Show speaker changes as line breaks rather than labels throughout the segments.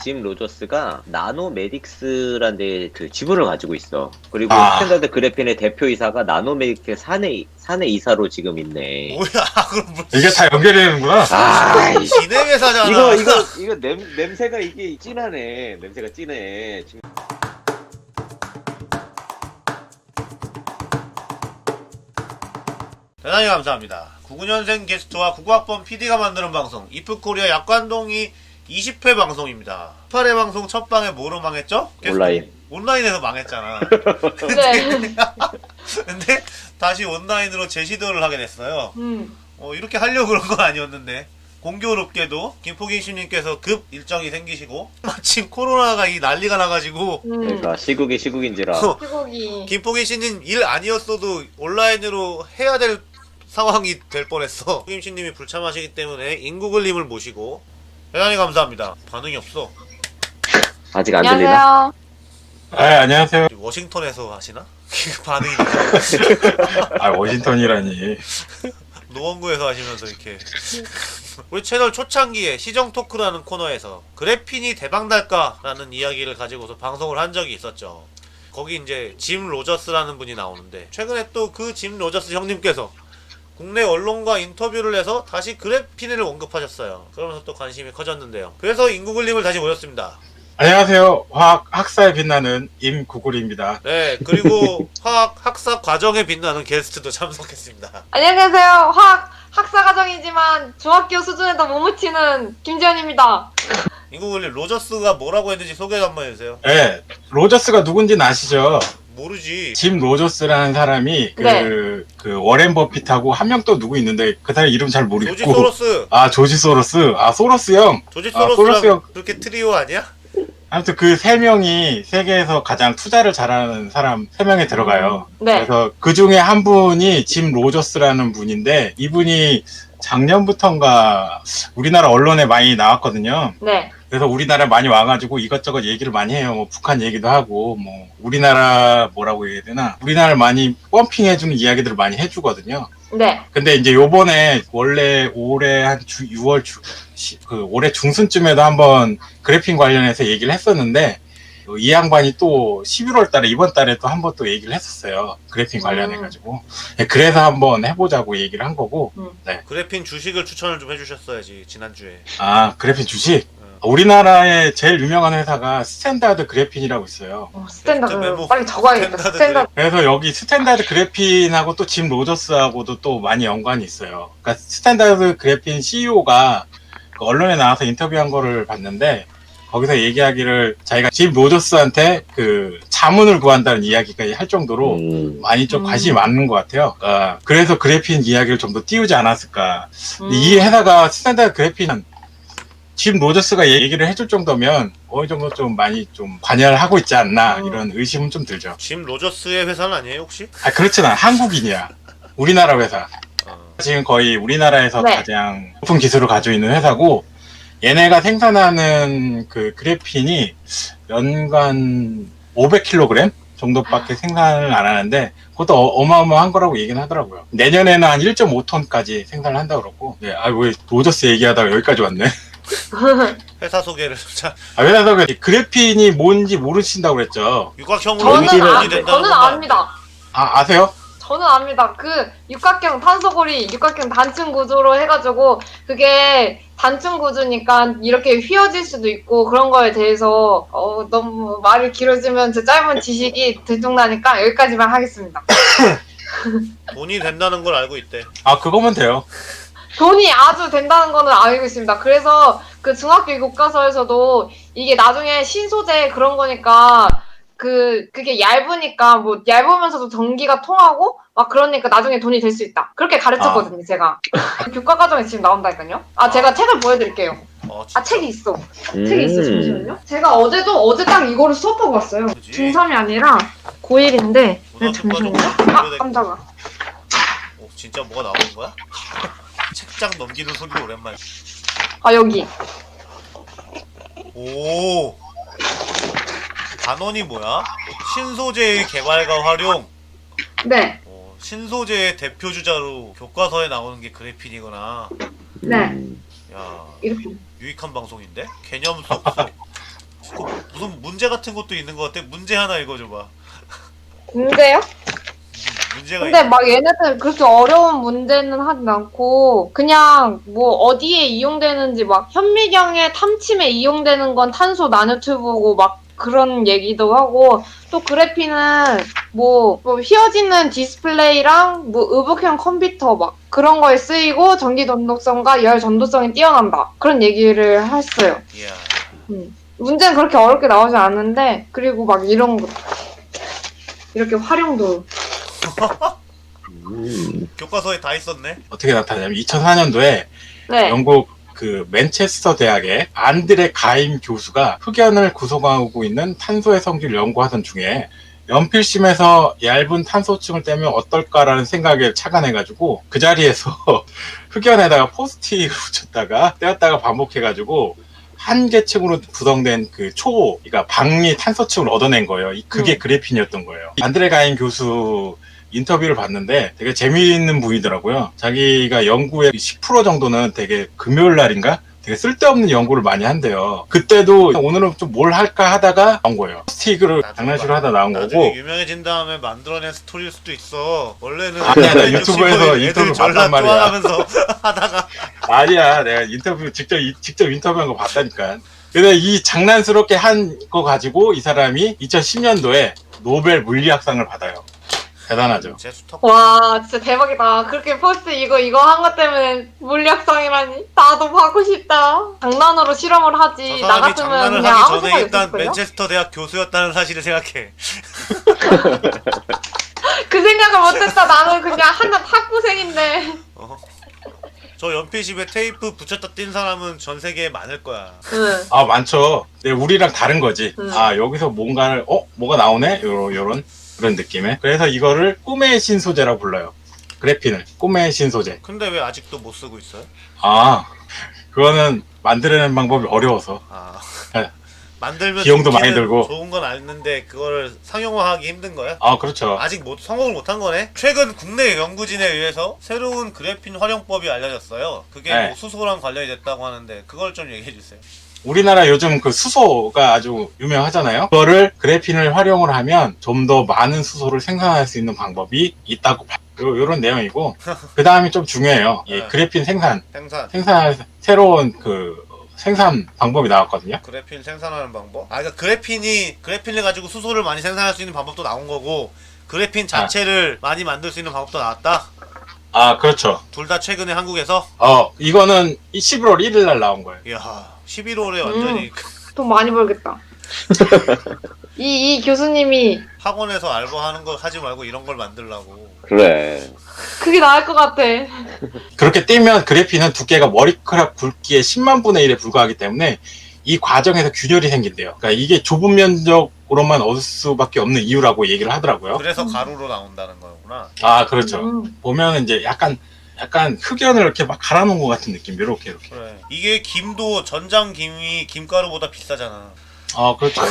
짐 로저스가 나노메딕스라는 데 그 지분을 가지고 있어. 그리고
아.
스탠다드 그래핀의 대표이사가 나노메딕스 사내 이사로 지금 있네.
뭐야? 그럼 뭐
이게 다 연결되는구나.
아이씨.
기내 회사잖아.
이거 냄새가 이게 진하네. 냄새가 진해. 지금
대단히 감사합니다. 99년생 게스트와 99학번 PD가 만드는 방송 이프코리아 약관동이 20회 방송입니다. 18회 방송 첫 방에 뭐로 망했죠?
온라인.
온라인에서 망했잖아.
네.
근데 다시 온라인으로 재시도를 하게 됐어요.
음.
이렇게 하려고 그런 건 아니었는데 공교롭게도 김포기신님께서 급 일정이 생기시고 마침 코로나가 이 난리가 나가지고
그러니까 시국인지라.
시국이.
김포기신님 일 아니었어도 온라인으로 해야 될 상황이 될 뻔했어. 김신님이 불참하시기 때문에 인구글님을 모시고 대단히 감사합니다. 반응이 없어.
아직 안 들리나?
안녕하세요.
안녕하세요.
워싱턴에서 하시나? 반응이
워싱턴이라니.
노원구에서 하시면서 이렇게 우리 채널 초창기에 시정 토크라는 코너에서 그래핀이 대박날까라는 이야기를 가지고서 방송을 한 적이 있었죠. 거기 이제 짐 로저스라는 분이 나오는데 최근에 또 그 짐 로저스 형님께서 국내 언론과 인터뷰를 해서 다시 그래핀을 언급하셨어요. 그러면서 또 관심이 커졌는데요. 그래서 인구글님을 다시 모셨습니다.
안녕하세요. 화학 학사에 빛나는 임구글입니다.
네, 그리고 화학 학사 과정에 빛나는 게스트도 참석했습니다.
안녕하세요. 학사 과정이지만 중학교 수준에도 못 미치는 김지현입니다.
인구글님 로저스가 뭐라고 했는지 소개 한번 해주세요.
네, 로저스가 누군지는 아시죠?
모르지.
짐 로저스라는 사람이
네.
그 워렌 버핏하고 한 명 또 누구 있는데 그 사람 이름 잘 모르겠고.
조지 소로스.
조지 소로스. 소로스 형.
조지
소로스
소로스랑
형.
그렇게 트리오 아니야?
아무튼 그 세 명이 세계에서 가장 투자를 잘하는 사람 세 명에 들어가요.
네.
그래서 그 중에 한 분이 짐 로저스라는 분인데 이분이 작년부터인가 우리나라 언론에 많이 나왔거든요.
네.
그래서 우리나라 많이 와가지고 이것저것 얘기를 많이 해요. 뭐 북한 얘기도 하고 뭐 우리나라 뭐라고 해야 되나 우리나라를 많이 펌핑해주는 이야기들을 많이 해주거든요.
네.
근데 이제 요번에 원래 올해 한 6월 올해 중순쯤에도 한번 그래핀 관련해서 얘기를 했었는데 이 양반이 또 11월 달에 이번 달에 또 한번 또 얘기를 했었어요. 그래핀 관련해가지고. 그래서 한번 해보자고 얘기를 한 거고. 네.
그래핀 주식을 추천을 좀 해주셨어야지 지난주에.
그래핀 주식? 우리나라의 제일 유명한 회사가 스탠다드 그래핀이라고 있어요.
스탠다드
메모.
빨리 적어야겠다. 스탠다드.
그래서 여기 스탠다드 그래핀하고 또 짐 로저스하고도 또 많이 연관이 있어요. 그러니까 스탠다드 그래핀 CEO가 그 언론에 나와서 인터뷰한 거를 봤는데 거기서 얘기하기를 자기가 짐 로저스한테 그 자문을 구한다는 이야기가 할 정도로 많이 좀 관심이 많은 것 같아요. 그래서 그래핀 이야기를 좀 더 띄우지 않았을까. 이 회사가 스탠다드 그래핀은 짐 로저스가 얘기를 해줄 정도면 어느 정도 좀 많이 좀 관여를 하고 있지 않나 이런 의심은 좀 들죠.
짐 로저스의 회사는 아니에요 혹시?
그렇진 않아. 한국인이야. 우리나라 회사. 지금 거의 우리나라에서
네.
가장 높은 기술을 가지고 있는 회사고 얘네가 생산하는 그 그래핀이 연간 500kg 정도밖에 생산을 안 하는데 그것도 어마어마한 거라고 얘기는 하더라고요. 내년에는 한 1.5톤까지 생산을 한다고 그러고. 네, 왜 로저스 얘기하다가 여기까지 왔네.
회사 소개를 자
왜냐면 그래핀이 뭔지 모르신다고 그랬죠.
육각형으로
저는 압니다.
아세요?
저는 압니다. 그 육각형 탄소고리, 육각형 단층 구조로 해가지고 그게 단층 구조니까 이렇게 휘어질 수도 있고 그런 거에 대해서 너무 말이 길어지면 제 짧은 지식이 들통나니까 여기까지만 하겠습니다.
돈이 된다는 걸 알고 있대.
그거면 돼요.
돈이 아주 된다는 거는 알고 있습니다. 그래서 그 중학교 교과서에서도 이게 나중에 신소재 그런 거니까 그게 얇으니까 뭐 얇으면서도 전기가 통하고 막 그러니까 나중에 돈이 될 수 있다. 그렇게 가르쳤거든요, 제가. 교과 과정에 지금 나온다니까요. 제가 책을 보여드릴게요. 책이 있어. 책이 있어, 잠시만요. 제가 어제 딱 이거를 수업하고 왔어요.
그치?
중3이 아니라 고1인데. 네, 잠시만요. 깜짝아.
진짜 뭐가 나오는 거야? 책장 넘기는 소리가 오랜만에.
여기.
오. 단원이 뭐야? 신소재의 개발과 활용.
네.
신소재의 대표 주자로 교과서에 나오는 게 그래핀이구나.
네.
야,
이렇게.
유익한 방송인데? 개념 쏙쏙. 문제 같은 것도 있는 것 같아. 문제 하나 읽어줘봐.
문제요?
문제가
근데 막 얘네들 그렇게 어려운 문제는 하진 않고 그냥 뭐 어디에 이용되는지 막 현미경의 탐침에 이용되는 건 탄소 나노튜브고 막 그런 얘기도 하고 또 그래핀은 뭐 휘어지는 디스플레이랑 뭐 의복형 컴퓨터 막 그런 거에 쓰이고 전기 전도성과 열 전도성이 뛰어난다 그런 얘기를 했어요.
이야.
문제는 그렇게 어렵게 나오지 않는데 그리고 막 이런 거 이렇게 활용도
교과서에 다 있었네.
어떻게 나타나냐면 2004년도에
네.
영국 그 맨체스터 대학의 안드레 가임 교수가 흑연을 구성하고 있는 탄소의 성질을 연구하던 중에 연필심에서 얇은 탄소층을 떼면 어떨까라는 생각에 착안해가지고 그 자리에서 흑연에다가 포스트잇을 붙였다가 떼었다가 반복해가지고 한 개층으로 구성된 그 그러니까 방리 탄소층을 얻어낸 거예요. 그게 그래핀이었던 거예요. 안드레 가임 교수 인터뷰를 봤는데 되게 재미있는 분이더라고요. 자기가 연구의 10% 정도는 되게 금요일 날인가? 되게 쓸데없는 연구를 많이 한대요. 그때도 오늘은 좀 뭘 할까 하다가 나온 거예요. 스틱으로 장난식으로 하다 나온
나중에
거고.
유명해진 다음에 만들어낸 스토리일 수도 있어. 원래는
아니야, 나 유튜브에서 인터뷰
전라
봤단 말이야.
좋아하면서 하다가
아니야, 내가 인터뷰 직접 인터뷰한 거 봤다니까. 근데 이 장난스럽게 한 거 가지고 이 사람이 2010년도에 노벨 물리학상을 받아요. 대단하죠.
재수턱.
와 진짜 대박이다. 그렇게 포스트 이거 한 것 때문에 물리학상이라니 나도 하고 싶다. 장난으로 실험을
저
하지 나
사람이
같으면
장난을
그냥
하기
아무
전에
생각
일단
없을걸요?
맨체스터 대학 교수였다는 사실을 생각해.
그 생각을 못했다. 나는 그냥 한낱 학부생인데.
어. 저 연필집에 테이프 붙였다 뛴 사람은 전 세계에 많을 거야.
응.
아, 많죠. 근데 우리랑 다른 거지.
음.
아, 여기서 뭔가를, 뭐가 나오네? 요런 그런 느낌의. 그래서 이거를 꿈의 신소재라고 불러요. 그래핀을. 꿈의 신소재.
근데 왜 아직도 못 쓰고 있어요?
아, 그거는 만들어내는 방법이 어려워서.
아.
네.
만들면
비용도 많이
좋기는
들고.
좋은 건 아는데 그거를 상용화하기 힘든 거야?
아, 그렇죠.
아직 성공을 못한 거네. 최근 국내 연구진에 의해서 새로운 그래핀 활용법이 알려졌어요. 그게
네.
뭐 수소랑 관련이 됐다고 하는데 그걸 좀 얘기해 주세요.
우리나라 요즘 그 수소가 아주 유명하잖아요. 그거를 그래핀을 활용을 하면 좀 더 많은 수소를 생산할 수 있는 방법이 있다고 봐요. 요런 내용이고. 그 다음이 좀 중요해요. 이
네.
그래핀 생산할 새로운 생산 방법이 나왔거든요.
그래핀 생산하는 방법? 아, 그러니까 그래핀을 가지고 수소를 많이 생산할 수 있는 방법도 나온 거고 그래핀 자체를 많이 만들 수 있는 방법도 나왔다?
아, 그렇죠.
둘 다 최근에 한국에서?
이거는 11월 1일 날 나온 거예요.
이야, 11월에 완전히
돈 많이 벌겠다. 이 교수님이
학원에서 알바하는 거 하지 말고 이런 걸 만들라고.
그래.
그게 나을 것 같아.
그렇게 띄면 그래핀은 두께가 머리카락 굵기의 10만 분의 1에 불과하기 때문에 이 과정에서 균열이 생긴대요. 그러니까 이게 좁은 면적으로만 얻을 수밖에 없는 이유라고 얘기를 하더라고요.
그래서 가루로 나온다는 거구나.
아, 그렇죠. 보면 이제 약간 흑연을 이렇게 막 갈아놓은 것 같은 느낌. 이렇게.
그래. 이게 김도 전장 김이 김가루보다 비싸잖아.
아, 그렇죠.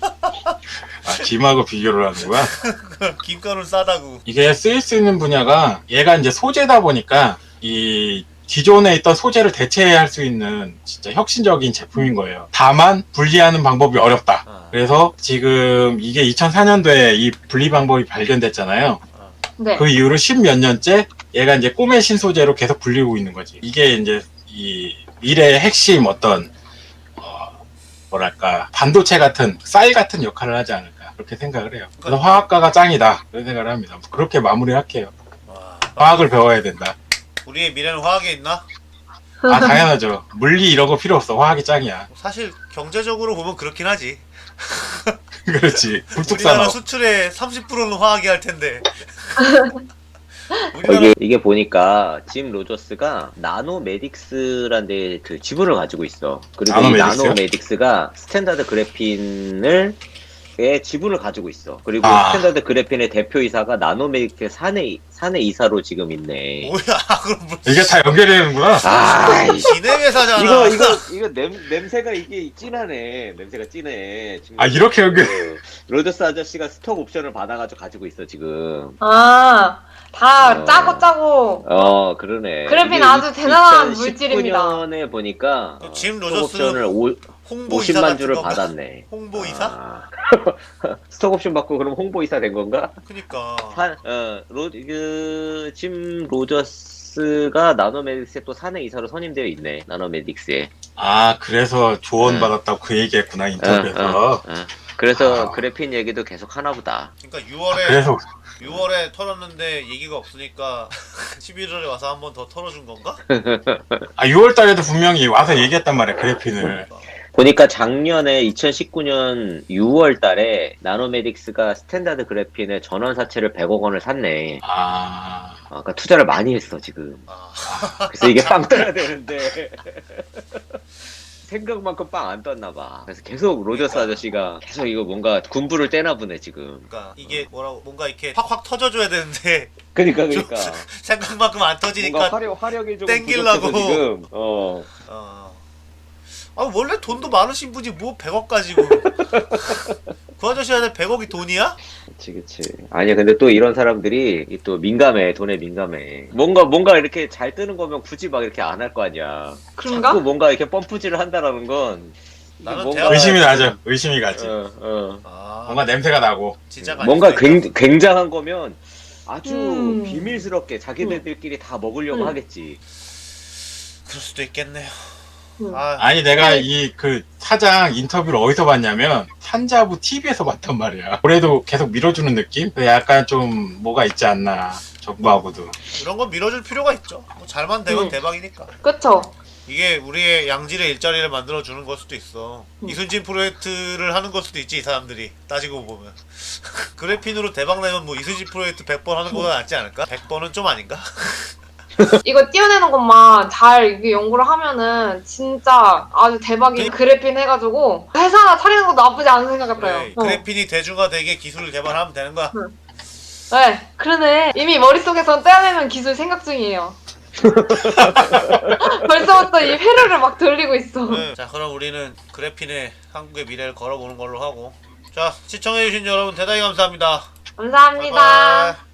김하고 비교를 하는 거야.
김가루는 싸다고.
이게 쓰일 수 있는 분야가 얘가 이제 소재다 보니까 이 기존에 있던 소재를 대체할 수 있는 진짜 혁신적인 제품인 거예요. 다만 분리하는 방법이 어렵다. 그래서 지금 이게 2004년도에 이 분리 방법이 발견됐잖아요.
네.
그 이후로 10몇 년째 얘가 이제 꿈의 신소재로 계속 불리고 있는 거지. 이게 이제 이 미래의 핵심 어떤 뭐랄까 반도체 같은 쌀 같은 역할을 하지 않을까 그렇게 생각을 해요. 그래서 화학과가 짱이다 그런 생각을 합니다. 그렇게 마무리할게요.
와,
화학을 배워야 된다.
우리의 미래는 화학에 있나?
아, 당연하죠. 물리 이런 거 필요 없어. 화학이 짱이야.
사실 경제적으로 보면 그렇긴 하지.
그렇지. 불뚝
우리나라
산업.
수출의 30%는 화학이 할 텐데. 우리나라
이게 보니까 짐 로저스가 나노메딕스라는 데 그 지분을 가지고 있어. 그리고 이
나노메딕스요?
나노메딕스가 스탠다드 그래핀을 의 지분을 가지고 있어. 그리고
아.
스탠다드 그래핀의 대표이사가 나노메딕스 사내 이사로 지금 있네.
뭐야? 그럼 뭐
이게 다 연결되는구나.
아이씨.
기내 회사잖아.
이거 냄새가 이게 진하네. 냄새가 진해. 지금
아, 이렇게 연결.
로저스 아저씨가 스톡 옵션을 가지고 있어 지금.
다 짜고
그러네.
그래핀
이게
아주 대단한 물질입니다.
2019년에 보니까
짐
스톡
로저스는
옵션을
홍보이사
50만
같은
주를
건가?
받았네.
홍보이사?
아. 스톡옵션 받고 그럼 홍보이사 된 건가?
그니까
짐 로저스가 나노메딕스에 또 사내 이사로 선임되어 있네. 나노메딕스에.
아, 그래서 조언
네.
받았다고 그 얘기했구나, 인터뷰에서.
그래서
아.
그래핀 얘기도 계속 하나 보다.
그러니까
아, 그래서
6월에 털었는데 얘기가 없으니까 11월에 와서 한 번 더 털어준 건가?
6월 달에도 분명히 와서 얘기했단 말이야, 그래핀을.
보니까 작년에 2019년 6월 달에 나노메딕스가 스탠다드 그래핀의 전원 사채를 100억 원을 샀네.
아,
그러니까 투자를 많이 했어, 지금.
아,
그래서 이게 빵 떠야 되는데. 생각만큼 빵 안 떴나 봐. 그래서 계속 로저스 아저씨가 계속 이거 뭔가 군부를 떼나 보네, 지금.
그러니까 이게 뭐라고 뭔가 이렇게 확확 터져줘야 되는데
그러니까.
생각만큼 안 터지니까
뭔가 화력이 좀
땡기려고.
부족해서 지금.
원래 돈도 많으신 분이 뭐 100억 가지고 그 아저씨한테 100억이 돈이야?
그치. 아니야, 근데 또 이런 사람들이 또 민감해, 돈에 민감해. 뭔가 이렇게 잘 뜨는 거면 굳이 막 이렇게 안 할 거 아니야.
그런가?
자꾸 뭔가 이렇게 펌프질을 한다라는 건. 이게
나는
뭔가-
대학-
의심이 나죠. 의심이 가지.
아,
뭔가 냄새가 나고.
진짜가
뭔가
아닐 수도 있다.
굉장한 거면 아주
음.
비밀스럽게 자기네들끼리 다 먹으려고
음.
하겠지.
그럴 수도 있겠네요.
음.
아니, 내가 이 그 사장 인터뷰를 어디서 봤냐면, 산자부 TV에서 봤단 말이야. 올해도 계속 밀어주는 느낌? 약간 좀 뭐가 있지 않나, 정부하고도.
이런 건 밀어줄 필요가 있죠. 뭐 잘만 되면
음.
대박이니까.
그쵸?
이게 우리의 양질의 일자리를 만들어 주는 걸 수도 있어. 이순신 프로젝트를 하는 걸 수도 있지, 이 사람들이 따지고 보면. 그래핀으로 대박 내면 뭐 이순신 프로젝트 100번 하는 것보다 낫지 않을까? 100번은 좀 아닌가?
이거 띄어내는 것만 잘 이게 연구를 하면은 진짜 아주 대박인 그래핀 해가지고 회사 하나 차리는 것도 나쁘지 않은 생각 같아요.
그래, 그래핀이 대중화되게 기술을 개발하면 되는 거야.
네, 그러네. 이미 머릿속에선 떼어내는 기술 생각 중이에요. 벌써부터 이 회로를 막 돌리고 있어.
네. 자, 그럼 우리는 그래핀의 한국의 미래를 걸어보는 걸로 하고. 자, 시청해주신 여러분 대단히 감사합니다.
감사합니다.
바이바이.